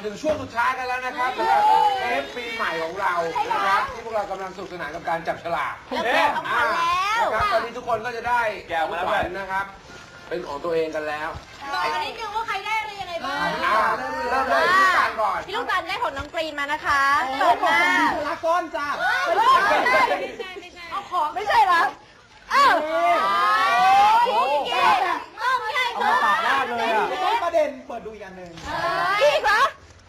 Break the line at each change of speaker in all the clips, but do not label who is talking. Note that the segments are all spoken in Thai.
ถึงช่วงสุดท้ายกันแล้วนะครับสำหรับเทปปีใหม่ของเรานะครับที่พวกเรากำลังสนุกสนานกับการจับฉลากนะครับตอนนี้ทุกคนก็จะได้แก้วมาแล้วนะครับเป็นของตัวเองกันแล้ว
บอกกันนิดนึงว่าใครได้อะไรยังไงบ้าง
เริ่มเลยพี่ลูกตาลก่อน
พี่ลูกตาลได้ผลน้องกรีนมานะคะเปิดมา
ลาก้อนจ้า
เอาของไม่ใช่เหรอ
เอามาปากหน้าเลยอ่ะต้นประเด็นเปิดดูอีกอันหนึ่ง
พี่เหรอ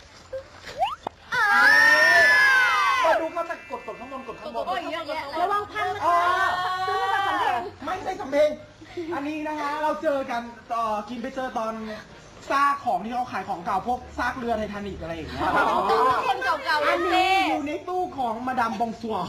เปิดดูก็จะกดข้างบนกดข้างบน
ระวังพังซื้อมาจากสำเพ็ง
ไม่ใช่สำเพ็งอันนี้นะคะเราเจอกันกินไปเจอตอนซากของที่เขาขายของเก่าพวกซากเรือไททานิกอะไรอย่างเงี้ย
คนเก่าๆ
อันนี้อยู่ในตู้ของมาดามบองซัว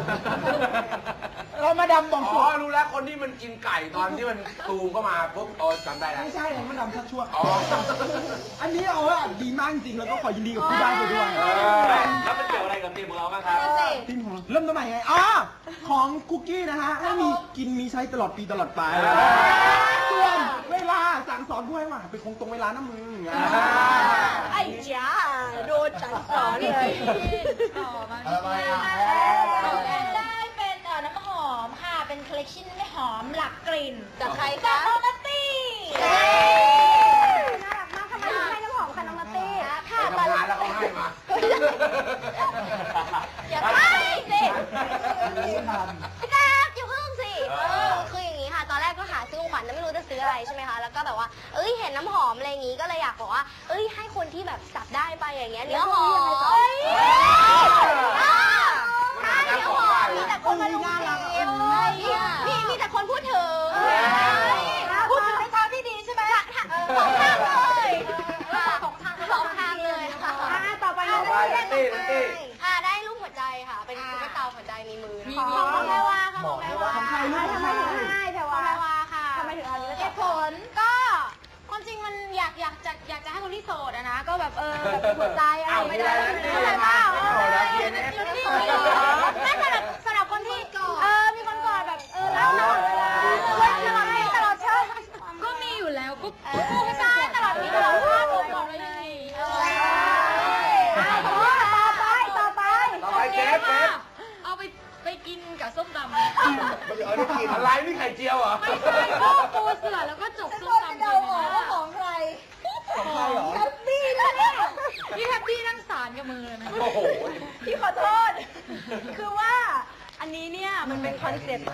เรามาดามบองซัว
รู้แล้วคนที่มันกินไก่ตอนที่มันตูมเข้ามาปุ๊บจำได้แล้ว
ไม่ใช่ของมาดามชักชั่วอันนี้ดีมากจริงแล้วก็ขอยินดีกับผู้ได้ไปด้วย
แล้วมันเกี่ยวอะไรกับทีมของเราบ้างครับ
ทีมของเราเริ่มต้นใหม่ไงของคุกกี้นะฮะให้มีกินมีใช้ตลอดปีตลอดไปส่วนเวลาสั่งสอนด้วยว่าเป็นคงตรงเวลานะมึง
ไอ้จ้าโดนสั่งสอนเลยต่อมาได้เป็นน้ำหอมค่ะเป็นคอลเลคชั่นไม่หอมหลักกลิ่นจากใครคะน้องนัตตี้น่ารักมากทำไมถึงให้น้ำหอมค่ะน้องนัตตี้
ค่ะตอนแรกแล้วเขาให้มา
อย่าให้สิพี่แจ๊คอย่าเพิ่งสิคืออย่างนี้ค่ะตอนแรกก็หาซื้อของขวัญไม่รู้จะซื้ออะไรใช่ไหมคะแล้วก็แบบว่าเห็นน้ำหอมอะไรอย่างงี้ก็เลยอยากบอกว่าให้คนที่แบบจับได้ไปอย่างเงี้ยเนื้อหอมมีแต่คนมาดูมีแต่คนพูดถึงในทางที่ดีใช่ไหมสองทางเลยสองทางเลยค่ะต่อไปได้รูปหัวใจค่ะเป็นตุ๊กตาหัวใจในมือของแม่ว่าค่ะของแม่ว่าทำไมถึงให้แต่ว่าแม่ว่าค่ะทำไมถึงเอาเหตุผลก็ความจริงมันอยากจะให้คนที่โสดนะก็แบบแบบหัวใจอะไรไม่ได้ไม่เปล่าไม่สำหรับคนที่มีคนก่อนแบบรักตลอดเชิญก็มีอยู่แล้วก็ใช่ตลอดมีตลอดชาติบอกเลยยังไงต่อไป
เจ๊
เอาไปกินกับส้มตำ
อะไรนี่ไข่เจียวเหรอ
ไม่ใช่ก็ปูเสือแล้วก็จกส้มตำเลยนะของใครแฮปปี้นะเนี่ยพี่แฮปปี้นั่งสารกับมือเลยนะโอ้โหพี่ขอโทษคือว่าอันนี้เนี่ยมันเป็นคอนเซปต์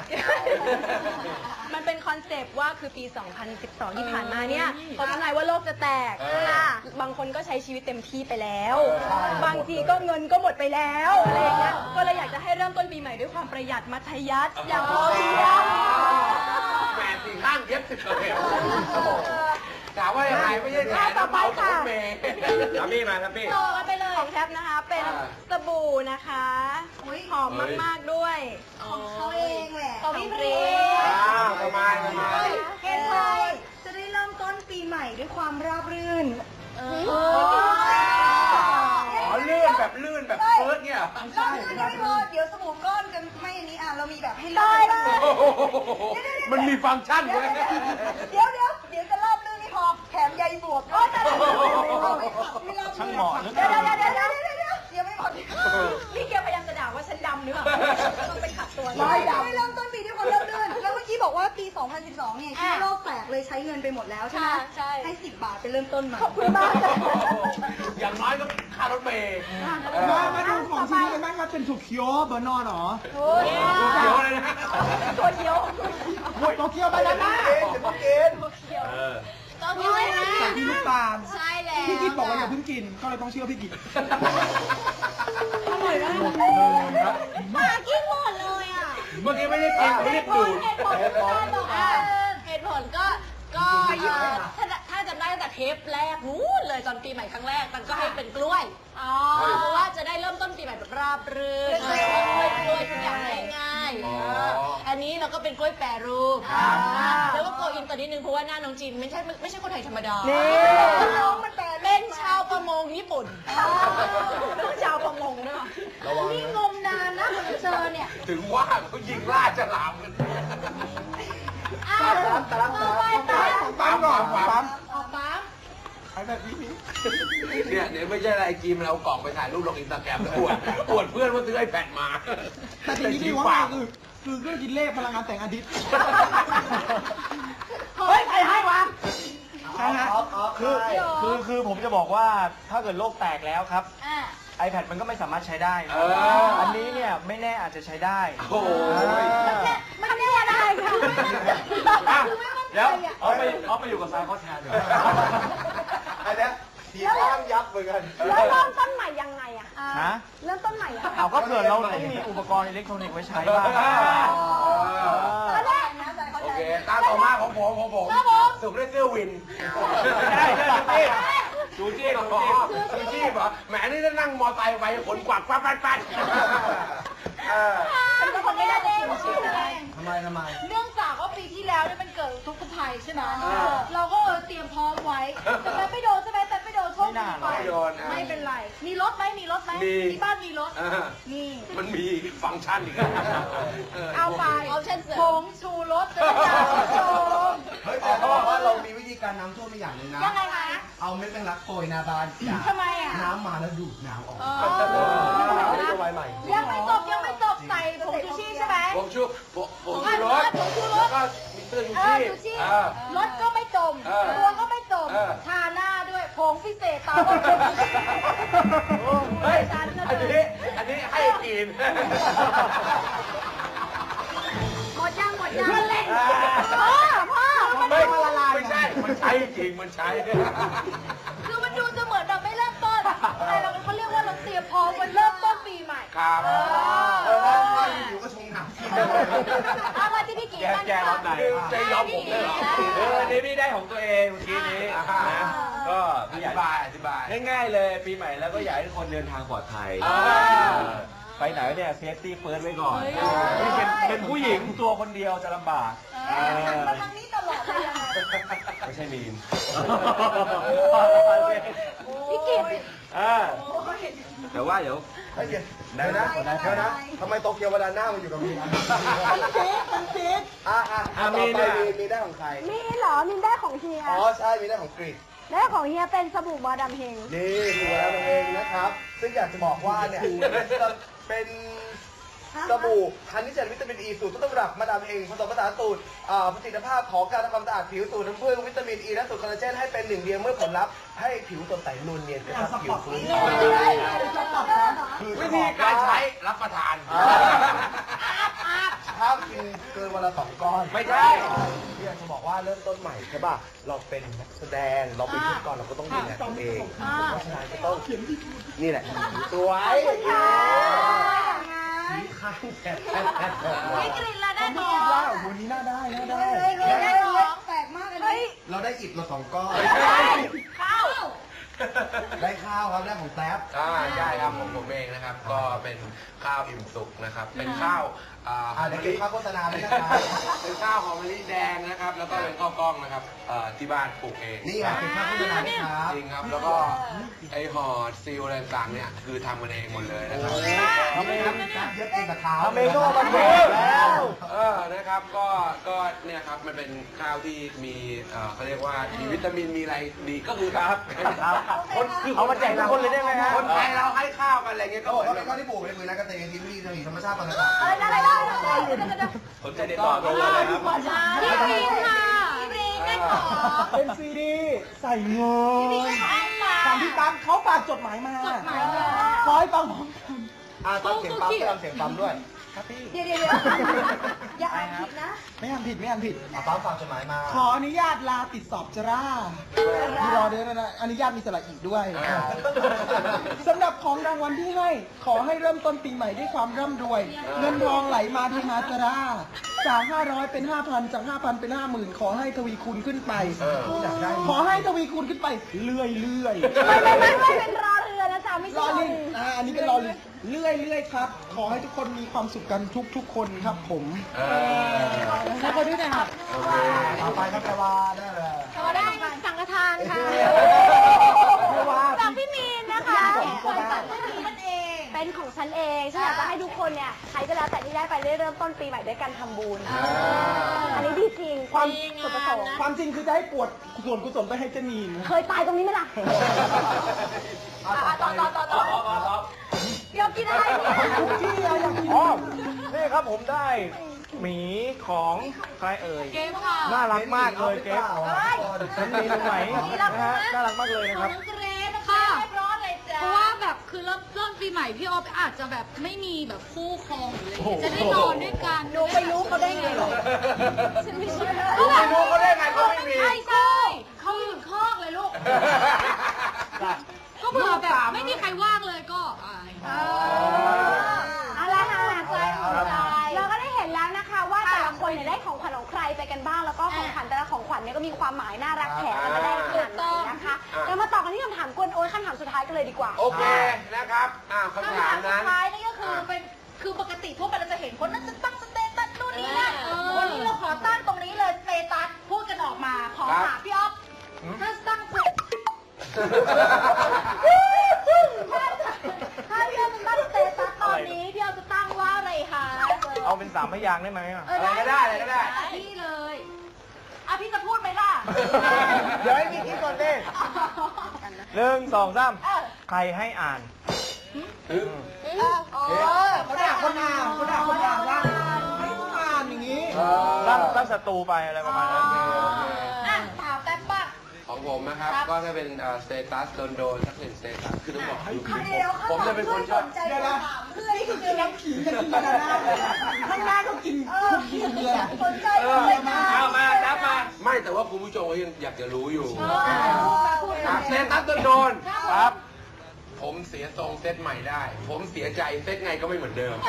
ว่าคือปี 2012 ที่ผ่านมาเนี่ยเขาทำนายว่าโลกจะแตกบางคนก็ใช้ชีวิตเต็มที่ไปแล้วบางทีก็เงินก็หมดไปแล้วอะไรอย่างเงี้ยก็เลยอยากจะให้เริ่มต้นปีใหม่ด้วยความประหยัดมัธยัสถ์อย่างพอเพียง
แหมสี่ข้างเย็บ10 เข็มถามว่ายังไงไม่ใช่แถม
ต่อไปค่ะ
ครับพี่มาครับพี่
ต่อไปเลยของแท็บนะคะเป็นสบู่นะคะหอมมากๆด้วยของเขาเองแหละของพี่พรี
ประมาณ
เห็นไหมจะได้เริ่มต้นปีใหม่ด้วยความราบรื่น
ลื่นแบบเฟิร์สเนี่ย
ใช่ไม่พอเดี๋ยวสบู่ก้อนกันไม่อันนี้เรามีแบบให้เลือก
มันมีฟังก์ชันเลย
เดี๋ยวจะราบรื่นไม่พอแถมใยบวบด้วย
ช่างเหมาะ
เดี๋ยวไม่หมดนี่แกพยายามจะด่าว่าฉันดำหรือเปล่าต้องไปขัดตัวไม่ดำเริ่มต้นปีด้วยความราบรื่นแล้วเมื่อกี้บอกว่าปี 2012 เนี่ยที่โลกแตกเลยใช้เงินไปหมดแล้วใช่ไหมใช่ให้10 บาทไปเริ่มต้นใหม่ขอบคุณมาก
อย่างน้อยก็ค่ารถเมล์
มาดูของชิ้นนี้กันบ้างครับเป็นถั่วเขียวเบอร์นอนเหรอ
ถั่วเขียวเลยนะ
ถั่วเขียว
บานาน่า
ถั่วเขียว
จากพี่ลูกตาล
ใช่แล้ว
พี่กิตบอกว่าอย่าเพิ่งกินก็เลยต้องเชื่อพี่กิต
อร่อยมากมากินหมดเลยอ่ะ
เมื่อกี้ไม่ได้กินไม่ได้ดูด
เหตุผลก็ถ้าจำได้ตั้งแต่เทปแรกนู้นเลยตอนปีใหม่ครั้งแรกมันก็ให้เป็นกล้วยเพราะว่าจะได้เริ่มต้นปีใหม่แบบราบรื่นกล้วยทุกอย่างง่ายๆอันนี้เราก็เป็นกล้วยแปรรูปแล้วก็โกอินต่อนิดนึงเพราะว่าหน้าน้องจีนไม่ใช่คนไทยธรรมดาน้องมันเป็นชาวประมงญี่ปุ่นเป็นชาวประมงด้วยนี่งมนานนะเจอเนี่ย
ถึงว่าเขายิงล่าฉลามกัน
ปั๊มก่อนปั๊มแบบนี้
เนี่ยไม่ใช่อะไรจีมเรากล่องไปถ่ายรูปลงอินสตาแกรมแล้วอวดเพื่อนว่าซื้อiPadมา
แต่สิ่งที่ดีว่าคือเครื่องคิดเลขพลังงานแสงอาทิตย์เฮ้ยใครให้วะใช่ฮะ
คือผมจะบอกว่าถ้าเกิดโลกแตกแล้วครับ iPad มันก็ไม่สามารถใช้ได้อันนี้เนี่ยไม่แน่อาจจะใช้ได้
โอ้ย
มันไม่ได้ค่ะ
เดี๋ยวเอาไปอยู่กับสายข้อแทนเดี๋ยว
อันเนี้ยทีอ้างยับเหมือนกัน
แล้วเริ่มต้นใหม่ยังไงอะ
ฮะ
เริ่มต้นใหม่อะ
เอาก็เผื่อเราต้องมีอุปกรณ์อิเล็กทรอนิกส์ไว้ใช้บ้าง
ตอนแรกนะ
โอเคตามต่อมาของผมสุกได้เสื้อวิน
จูจี้
ชูชีพเหรอแหมนี่ถ้านั่งมอไซค์ไปขนกวักปั๊บ
เป็นคนไม่ได้เอง
ทำไม
เนื่องจากว่าปีที่แล้วเนี่ยมันเกิดทุกข์ภัยใช่ไหมเราก็เตรียมพร้อมไว้แต่ไม่โดนใช่ไหมแต่ไม่โดนโชคดีไปไม่เป็นไรมีรถไหมที่บ้านมีรถนี่
มันมีฟังก์ชันอีก
เอาไปผงชูรสจะได้ชม
เฮ้ยแต่เขาบอกว่าเรามีวิธีการน้ำท่วมอีกอย่างหนึ่งนะ
ยังไงคะ
เอาเม็ดแมงลักโปรยหน้าบ้าน
ทำไมอ่ะ
น้ำมาแล้วดูดน้ำออก
ยังไม่จบใส่ผงชูชีใช่ไหม
ผมชูรถแล้วก็มีเสื้อชูชีพ
รถก็ไม่จมตัวก็ไม่จมทาหน้าด้วยผงพิเศษตาว่าผงชูชี
เฮ้ยอันนี้ให้กิน
หมดยัง
เล่น
พ่อ
ไม่ใช่มันใช้จริงมันใช้
คือมันดูจะเหมือนแบบไม่เริ่มต้นแต่เราเขาเรียกว่าเราเตรียมพร้อมวันเริ่มต้นปีใหม่
ครับ
อยู่ก็ชงหนัก
เอามาที่พี่กีกัน
แกรอบไหน
ใจยอมผมเลยเหรอ
อันนี้พี่ได้ของตัวเองเมื่อกี้นี้นะก็
อธิบาย
ง่ายๆเลยปีใหม่แล้วก็อยากให้ทุกคนเดินทางปลอดภัยไปไหนเนี่ยเซฟตี้เฟิร์สไว้ก่อนนี่เป็นผู้หญิงตัวคนเดียวจะลำบาก
มาทางนี้ตลอดเลย
ไม่ใช่มีน
พี่กี
แต่ว่าเดี๋ยว
เดี๋ยวนะทำไมโตเกียวบานาน่ามาอยู่กับมีมันจี๊ดมีได้ของใคร
มีเหรอมินได้ของเฮีย
อ๋อใช่มีได้ของกรีก
ได้ของเฮียเป็นสบู่มาดามเฮง
นี่ดูแล้วเองนะครับ ซึ่งอยากจะบอกว่าเนี่ยเป็นสบู่ฮันนี่เจลวิตามินอีสูตรต้นตำรับมาดามเองผสมผสานสูตรประสิทธิภาพของการทำความสะอาดผิวสูตรน้ำผึ้งวิตามินอีและสูตรคอลลาเจนให้เป็นหนึ่งเดียวเมื่อผลลัพธ์ให้ผิวสดใสนูนเนียนกระชับผิวฟื้นคือ
วิธีการใช้รับประทาน
ห้ามกินเกินวันละ2 ก้อน
ไม่ใช่
พี่อยากจะบอกว่าเริ่มต้นใหม่ใช่ป่ะเราเป็นนักแสดงเราเป็นพิธีกรเราก็ต้องดูแลตัวเองเพราะฉะนั้นก็ต้องนี่แหละสวยสีข้างแฉะ
พี่กรีนละได้หมอ
วันนี้น่าได้น่าได้
ได้หมอแปลกมากเลย
เราได้อิฐมา2 ก้อน
ข้าว
ได้ข้าวครับได้ของแท็บ
ใช่ครับผมเองนะครับ ก็เป็นข้าวอิ่มสุกนะครับ เป็นข้าว
เดี๋ยวเก็บค่าโฆษณาด้วยนะครับ
เป็นข้าวหอมมะลิแดงนะครับ แล้วก็เป็นข้าวกล้องนะครับที่บ้านปลูกเอง
นี่ไงเก็บค่าโฆษณาด้วยครับ
จริงครับ แล้วก็ไอห่อซีลอะไรต่างๆเนี่ยคือทำกันเองหมดเลยนะครับ
ทำเองเย็บเองกับเท้า
ทำเองก็เอามาเทแล้ว
นะครับก็เนี่ยครับมันเป็นข้าวที่มีเขาเรียกว่ามีวิตามินมีอะไรดีก็คือครับ
เอามาแจกทุกคนเลยได้ไหมฮะ
คนไทยเราให้ข้าวกันอะไรเงี้ยก็
เขา
เห
บ
มื
อ
อก น
ว่า
แบบ
เป็นข้าวที่ปลูกในมือนักเกษตรที่มีธรรมชาติปรากฏ
สนใจติดต่อโทรเลยครับ
พี่กรีนค่ะพี่กรีนได้หมอ
เป็นซีดีใส่เงินฟังพี่ตั้มเขาฝากจดหมายมาขอให้ฟังพร้อมกันตอนเสียงปั๊มก็ทำเสียงปั๊มด้วยครับพี่
เดี๋ยวอย่าอ่านผิดนะ
ไม่ทำผิดปั๊มฝากจดหมายมา ขออนุญาตลาติดสอบจราพี่รอเดี๋ยวนะอนุญาตมีสระอีกด้วยสำหรับของรางวัลที่ให้ขอให้เริ่มต้นปีใหม่ด้วยความร่ำรวย เงินทองไหลมาเทมาจราจาก500เป็น 5,000 จาก 5,000 เป็น 50,000 ขอให้ทวีคูณขึ้นไปขอให้ทวีคูณขึ้นไปเรื่อย
ไม่เป็นรอเรือนะจ๊ะไม่
ร
ใช่
อ
รอ
ลิง
ลิง
อันนี้เป็นรอลิงเรื่อยครับ ขอให้ทุกคนมีความสุขกันทุกคนครับผมแล้วก็ด้วยนะครับต่อไปครับแปลว่าได้เลย
เราได้สังฆทานค่ะจากพี่มีนนะคะของสังฆทานมันเองเป็นของฉันเองฉันอยากจะให้ทุกคนเนี่ยใครก็แล้วแต่ที่ได้ไปได้เริ่มต้นปีใหม่ด้วยการทำบุญอันนี้ดีจริง
ความความจริงคือจะให้ปวดส่วนกุศลไปให้เจนีน
เคยตายตรงนี้ไหมล่ะต่อเดี๋ยวกินอะไรเนี่ย
ทุกที่เราอยากกิน
อ๋อนี่ครับผมได้หมีของใครเอ่ย
เกมค่ะ
น่ารักมากเลยเกฟฉันมีตรงไหนนะฮะน่ารักมากเลยนะครับ
น้องเกรซนะคะเรียบร้อยเลยจ้ะเพราะว่าแบบคือเริ่มปีใหม่พี่ออฟอาจจะแบบไม่มีแบบคู่ครองหรืออะไรจะได้นอนด้วยกันดูไม่รู้เขาได้ไงหรอฉันไม่เชื่อ
ไม่รู้เขาได้ไงเขาไม่มี
ใช่เขาอยู่คอกเลยลูกก็เผื่อแบบไม่มีใครว่างเลยก็
อะไรค่ะเราก็ได้เห็นแล้วนะคะว่าแต่ละคนเนี่ยได้ของขวัญของใครไปกันบ้างแล้วก็ของขวัญแต่ละของขวัญเนี่ยก็มีความหมายน่ารักแถมกันมาได้ขนาดไหนนะคะเรามาต่อกันที่คำถามกวนโอ้ยคำถามสุดท้ายกันเลยดีกว่า
โอเคนะครับคำถามนั้น
สุดท้ายนี่ก็คือเป็นคือปกติทั่วไปเราจะเห็นคนนั้นจะตั้งสเตตัสนู่นนี่นั่นวันนี้เราขอตั้งตรงนี้เลยสเตตัสพูดกันออกมาขอถามพี่อ๊อฟถ้าตั้งถ้าพี่อ๊อฟจะตั้งสเตตัสตอนนี้พี่อ๊อฟจะตั้งว่าอะไรคะ
เอาเป็น3 พยางค์ได้ไหม
อะไรก็ได้อะไรก็ได้
พี่เลยพี่จะพูดไหมล่ะ
เดี๋ยวให้พี่คิดก่อนดิ1 2 3ใครให้อ่าน
เขาด่าคนอ่านว่าให้ต้องอ่านอย่างนี้
ตั้งศัตรูไปอะไรประมาณนั้น
ถามแป๊บบ้าง
ของผมนะครับก็จะเป็นสเตตัสโดนสัก1 สเตตัสคือต้องบอกผมจะเป็นคนชอบ
เดี๋ยวนะนี่คือกินน้ำขิงจะกินกันนะข้างหน้าก็กินคุกกี้เบียร์
เอามาจับมา
ไม่แต่ว่าคุณผู้ชมก็ยังอยากจะรู้อยู่สเตตัสโดน
ครับ
ผมเสียทรงเซตใหม่ได้ ผมเสียใจเซตไงก็ไม่เหมือนเดิม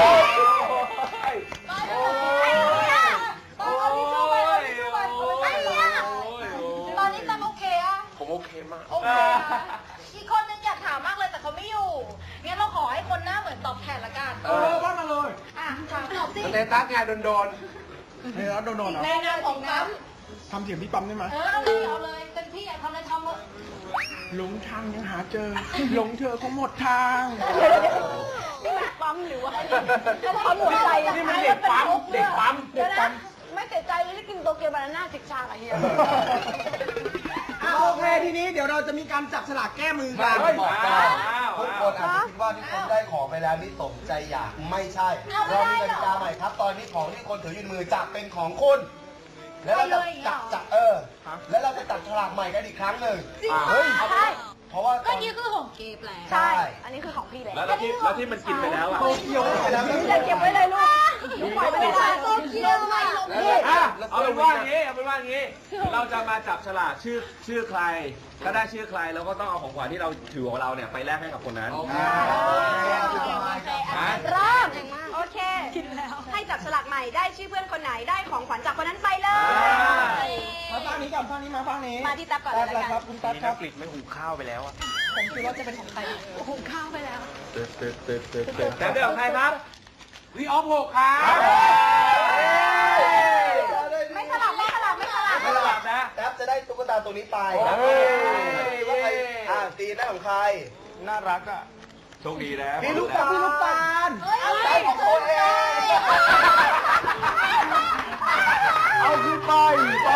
ตอนนี้ตั้งโอเคอะ
ผมโอเคมาก
โอเคอีกคนนึงอยากถามมากเลยแต่เขาไม่อยู่งั้นเราขอให้คนหน้าเหมือนตอบแทนละกัน
ว่ามาเลย
ถามตอบสิ
สเตตัสไงโดน
เฮ้ยแล้วโดนเหรอ
ในนามของปั๊ม
ทำเสียงพี่ปั๊มได้ไหม
เอาเลยเป็นพี่อยากทำอะไรทำเลย
หลงทางยังหาเจอ หลงเธอเขาหมดทาง
นี่มันปั๊มหรือว่าปั๊มหัวใจ
นี่มันเด็กปั๊มเด็กปั๊ม
เดี๋ยวนะไม่เสียใจเลยที่กินโตเกียวบานาน่าจิกชางอะเฮีย
โอเคทีนี้เดี๋ยวเราจะมีการจับฉลากแก้มือกัน
ทุกคนอาจจะคิดว่าที่คนได้ของไปแล้วนี่สมใจอยากไม่ใช่ เรามีกติกาใหม่ครับ ตอนนี้ของที่คนถืออยู่ในมือจะเป็นของคุณ แล้วเราจะจับแล้วเราจะจับฉลากใหม่กันอีกครั้งหนึ่ง
เฮ้ย
ใช่
เพราะว่า
ก็นี่คือของเกฟแหละ
ใช่ อันนี้คือของพี่แหละ
แล้วที่มันกินไปแล้วอ่ะ
โตเกียวไปแล้ว
จะเก็บไว้เลยลูกลูกปล่อยไม่ได้โตเกียวไม่ลงพี่
เอาเป็นว่าอย่างนี้ เราจะมาจับฉลากชื่อใคร ถ้าได้ชื่อใครเราก็ต้องเอาของขวัญที่เราถือของเราเนี่ยไปแลกให้กับคนนั้น
เริ่มโอเคให้จับฉลากใหม่ได้ชื่อเพื่อนคนไหนได้ของขวัญจากคนนั้นไปเลย
มาฟังนี้ก่อนฟังนี้มาฟังนี้
มาที่ตั๊บก่อนเลย
แป๊บ
ละ
ค
กั
รั
น
บคุณตั๊บ
นี่
ครั
นั
บ
กกลิดไม่หุงข้าวไปแล้วอ่ะ
ผมคิดว่าจะเป็นของใครหุงข้าวไปแล้ว
แต่เดี๋ยวใครครับ
พี่ออฟ6ครับ
ไม่สลับไม่สลับไม่สลับ
ไม่หลับนะ
แป๊บจะได้ตุ๊กตาตัวนี้ไปว่าใครตีได้ของใคร
น่ารักอ่ะ โชคดีนะ
พี่ลูกตาลพี่ลูกตาล
ได้ของคนเอง
เอาขึ้นไปไป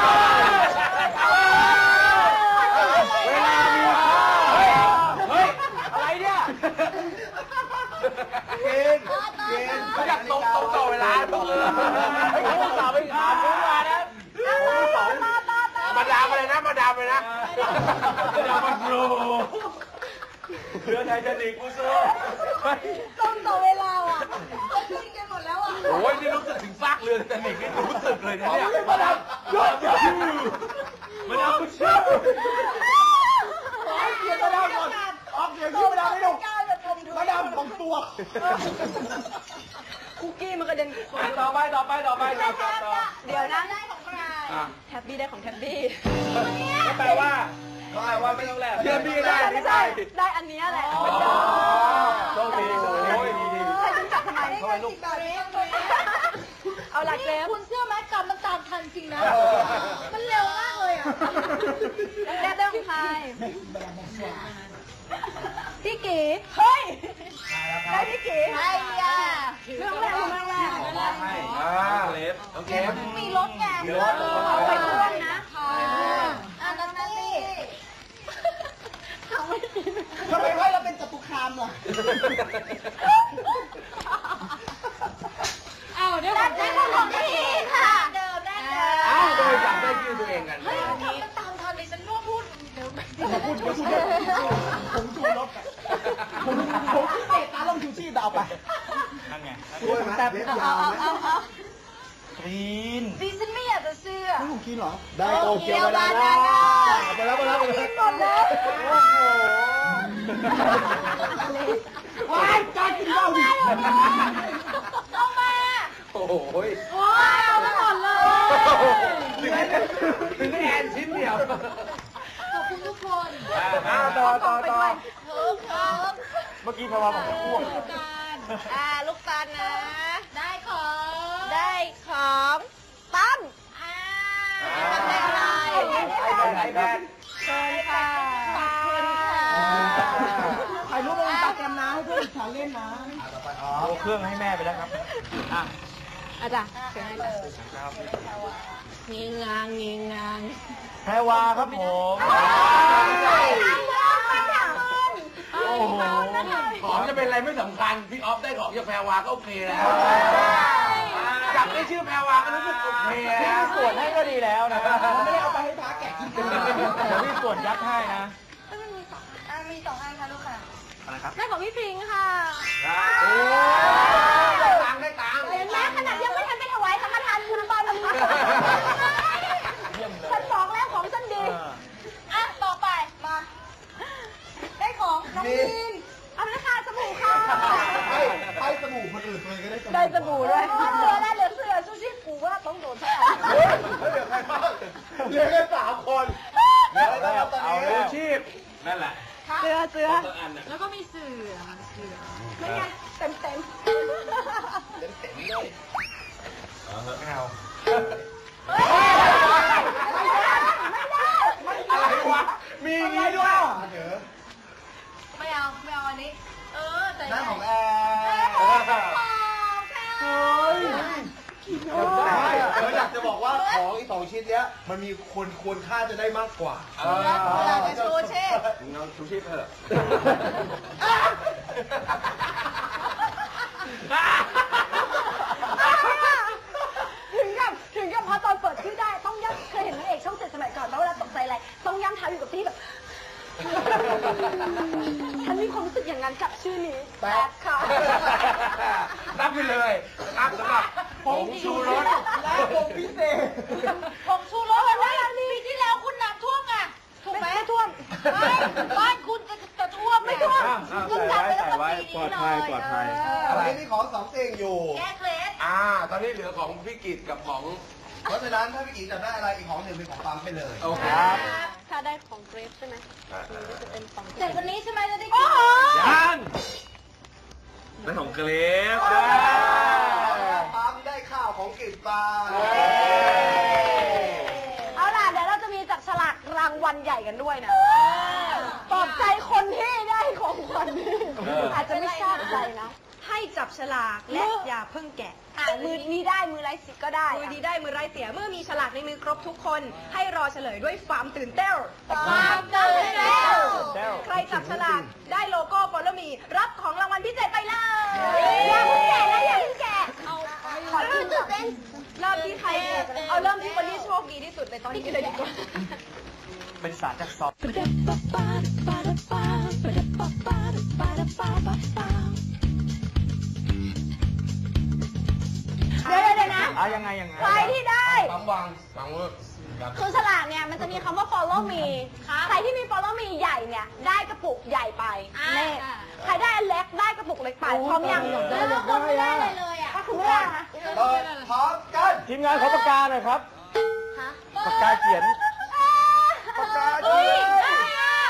เวลามีเฮ้ย อะไรเนี่ย
เกณฑ์
เขาอยากตรงต่อเวลาบอกเลย
ไอ้คนสาวไปถามผมมานะ
มาดามอะไรนะมาดามเลยนะ
จะมาโปรเพื่อไทยจะหนีกูสู้
ต้องต่อเวลาอ่ะจะขึ้นกันหมดแล้วอ่ะ
โอ้ยนี่รู้สึกถึงซากเรือแต่หนินี่รู้สึกเลยนะเนี่ย
มาดามยอดยอดมาดามกูชื่อ
เสียงมาดามก่อนออกเสียงชื่อมาดามให้ดูมาดามของตัว
คุกกี้มันกระเด็น
ต่อไป
เดี๋ยวนะได้ของใครแทบบี้ได้ของแทบบี้
แปลว่าไม่ต้องแลก
เพื่อนพี่ได้
ไม่
ไม่
ใช่
ได้
ได้อันนี้แหละ
โชคดีโอ้ยดี
ใครจะจับทำไมเอาหลักเซฟ
คุณเชื่อไหมกรรมมันตามทันจริงนะ มันเร็วมากเลยอ่ะ
แรกได้ของใครพี่กีเฮ้ยได้พี่กี
ไอ้ยา
เรื่องแรก
ให้เลฟ
โอเค
มีรถไง
มีรถ
เอาไปพ่วงนะนัตตี้ทำไม่กิน
ทำไมว่าเราเป็นจตุคามล่ะ
เอาเดี๋ยวได้ของพี่ค่ะเดิมได้เดิม
อ้าวโดยจับได้ชื่อตัวเองกัน
เฮ้ยมันตามทันดิฉันว่าพูดเดี๋ยว
ผมชูรถอะผมเตะตาลงชูชีพเอาไป
นั่นไง
ช่วยไหมเล็บยาวไหม
กรีน
ดิฉันไม่อยากจะเชื่อ
ไม่ผมกินเหรอ
ได้โตเกียวบานาน่าไปแล้ว
หมดแล้ว
ว้ายกล้ากินเหล้าดิ
เอามา
โอ้โห
ว้าวเอามาหมดเลย
ถึงแอนชิ้นเดียว
ขอบคุณทุกคน
ต่อ
เพิ่มครับ
เมื่อกี้พอมาบอกจะอ้วก
ลูกตาลนะ
ได้ของ
ได้ของตั้มทำได้อะไร
ไอแพด
เชิญค่ะขอบคุณค่ะ
ถ่ายรูปลงอินสตาแกรมนะให้เพื่อนอิจฉาเล่นนะ
ต่อไปอ๋อ
เอาเครื่องให้แม่ไปแล้วครับอ่ะ
อาจารย์เชิญให้เลยงีงางงีงาง
แพรวาครับผม โอ้โห
ของจะเป็นอะไรไม่สำคัญ พี่ออฟได้ของจากแพรวาก็โอเคแล้วจับได้ชื่อแพรวาก็รู้สึกโอเค
พี่
แล้ว
ส่วนให้ก็ดีแล้วนะ
ไม่ได้เอาไปให้พระแกะกินกัน
เดี๋ยวพี่ส่วนยัดให้นะ
มี2 อันค่ะลูกค่ะ
อะไรครับ
ได้ของพี่พิงค์ค่ะ
ได้ตังค์ได้ตังค์
เห็นไหมขนาดยังไม่ทันไปถวายสังฆทานคุณตอนนี้ฉันบอกแล้วของฉันดี
อ่ะ ต่อไป มา ได้ของน้องมิน
เอาเลยค่ะสบู่ค่ะ
ให้สบู่คนอื่นเลยก็ได้
ได้สบู่ด้วยเสือได้เหลือเสือชูชีพกูว่าต้องโดนสักอัน
เหลือใครบ้างเหลือแค่3 คนเหลืออะไรบ้างตอน
เอา
นี้
แล้ว
ชีพ
นั่นแหละ
เสือเสือ
แล้วก็มีเสือ
ไม่ไงเต็มเต็ม
ไม่เอา
อะไรวะ มีอย่างนี้ด้วย
เดี๋ยว
ไม่เอาอันนี้ แต่
นั่นของแอ
เฮ้ย
อยากจะบอกว่าของอีก2 ชิ้นเนี้ยมันมีควรค่าจะได้มากกว่า
จะโชว์เช่
น้องชูชีพเถอะ
ถึงกับพอตอนเปิดชื่อได้ต้องย่ำเคยเห็นนางเอกช่อง7สมัยก่อนแล้วเวลาตกใจอะไรต้องย่ำเท้าอยู่กับที่แบบ ฉันมีความรู้สึกอย่างนั้นกับชื่อนี้แป๊บค่ะ
รับไปเลยรับสำหรับผงชูรส
และวงพิเศษ
ผมชูรสเลยว่าปีที่แล้วคุณน้ำท่วมไงถูกไหม
ไม่ท่วม
ไม่บ้านคุณจะท่วมไม่ท่วม
คุณจัดไปแล้ว
ใส่ไว้ปลอดภัยปลอดภัย
อะไรนี่ของ2 สิ่งอยู่
แก้เคล็ด
ตอนนี้เหลือของพี่กิตกับของ
เพราะฉะนั้นถ้าพี่อีจับได้อะไรอีกของหนึ่งเป็นของปั๊มไปเลย
โอเค
ถ้าได้ของเกรฟใช่ไหมจะเป็นของ
เสร็จวันนี้ใช่ไหมจะได้กิน
ยังได้ของเกรฟ
ปั๊มได้ข้าวของกิจปลา
เอาล่ะเดี๋ยวเราจะมีจับฉลากรางวัลใหญ่กันด้วยนะปลอบใจคนที่ได้ของขวัญอาจจะไม่ชอบใจนะ
ให้จับฉลากและอย่าเพิ่งแกะ
มือนี้ได้มือไร้สิทธิ์ก็ได้
มือดีได้มือไร้เสียเมื่อมีฉลากในมือครบทุกคน ให้รอเฉลยด้วยความตื่นเต้น
ความตื่นเต้น
ใครจับฉลากได้โลโก้ฟอลโลมีรับของรางวัลพิเศษไปเลย
อย่าเพิ่งแกะนะอย่าเพิ่งแกะขอกินก่อน
เริ่มที่ใครเอาเริ่มที่คนที่โชคดีที่สุดในตอนนี้เลยดีกว่า
เป็นสารจากซอฟ
เดี๋ยวนะ
ยังไง
ใครที่ได้
ปั๊มวางมือครับ
คือฉลากเนี่ยมันจะมีคำว่า follow me ใครที่มี follow me ใหญ่เนี่ยได้กระปุกใหญ่ไปนี่ใครได้อันเล็กได้กระปุกเล็กไปพร้อมยัง
แล้วคนไม่ได้เลยอ่ะ
ถ้าคุณไม่ได้นะ
เปิดพร้อมกัน
ทีมงานขอปากกาหน่อยครับปากกาเขียน
ปากกา
เฮ้
ดี
ยได้อ่ะ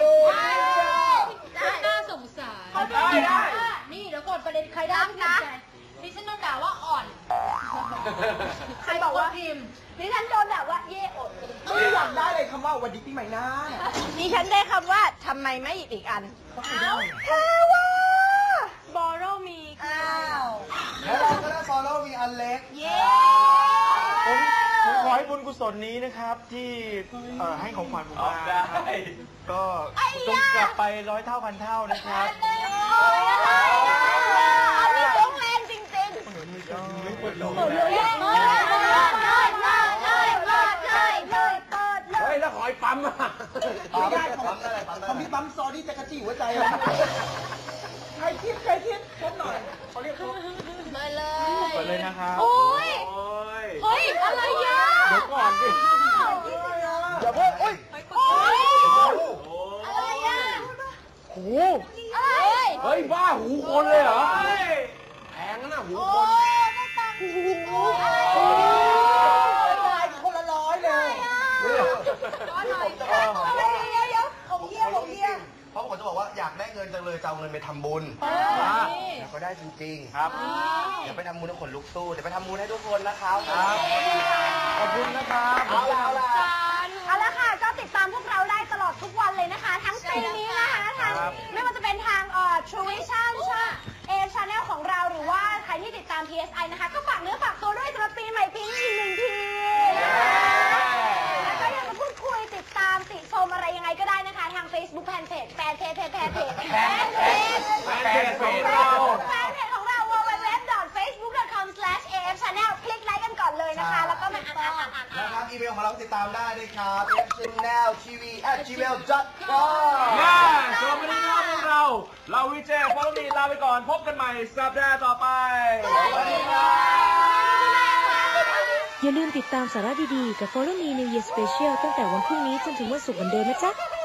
ได้
น่าสงสารนี่เดี๋ยวก่อนประเด็นใครได้นะดิฉันโดนด่าว่าอ่อน
ใครบอกว่า
พิมพ์
ดิฉันโดนแบบว่าเย่อด
ไม่อยากได้เลยคำว่าวันดีปีใหม่นะ
ดิฉันได้คำว่าทำไมไม่หยิบอีกอัน
เธอว่า
borrow me ค่ะ
แล้วเราก็ได้ follow มีอัน
อให้บุญกุศลนี้นะครับที่ให้ของขวัญผมมานะครับก็จงกลับไป100 เท่าพันเท่านะครับ
อันนี้ตรงแรงจริงๆ
เฮ้ยแล้วขอไอ้ปั๊มอ่ะ
ไม่ได้ของพี่ปั๊มซอดี้จะกระจี้หัวใจเลยใครคิดชมหน่อยเขาเรียกเขา
มาเลย
เปิดเลยนะครับ
โอ้ยเฮ้ยอะไรอ่ะ
เดี๋ยวก่อนสิ
อย่าเพิ่งโอ้ย
โอ้ยอะไรอ่ะ
หู
อะไร
เฮ้ยบ้าหูคนเลยเหรอแพงนะหูคน
ตายคนละ100เลย
ผมเยี่ยมเพราะผมจะบอกว่าอยากได้เงินจังเลยจะเอาเงินไปทำบุญแต่ก็ได้จริงๆครับเดี๋ยวไปทำบุญให้คนลุกสู้เดี๋ยวไปทำบุญให้ทุกคนนะครับขอบคุณนะครับเอาละ
ค่ะก็ติดตามพวกเราได้ตลอดทุกวันเลยนะคะ ทั้งปีนี้นะคะทางไม่ว่าจะเป็นทางTrue Vision Channel ของเราหรือว่าใครที่ติดตาม PSI นะคะก็ฝากเนื้อฝากตัวด้วยสำหรับปีใหม่ปีนี้อีก1 ทีแล้วก็อยากจะพูดคุยติดตามติชมอะไรยังไงก็ได้นะคะทาง Facebook แฟนเพจของเรา www.facebook.com/afchannel คลิกไลค์กันก่อนเลยนะคะแล้วก็มาอ่าน
นะครับอีเมลของเราติดตามได้เลยครับ fchanneltv@gmail.com
สวัสดีครับพวกเราวิเจฟอลล์มีลาไปก่อนพบกันใหม่สัปดาห์ต่อไปสวัสดีครับ
อย่าลืมติดตามสาระดีๆกับ Follow Me New Year Special ตั้งแต่วันพรุ่งนี้จนถึงวันศุกร์เหมือนเดิมนะจ๊ะ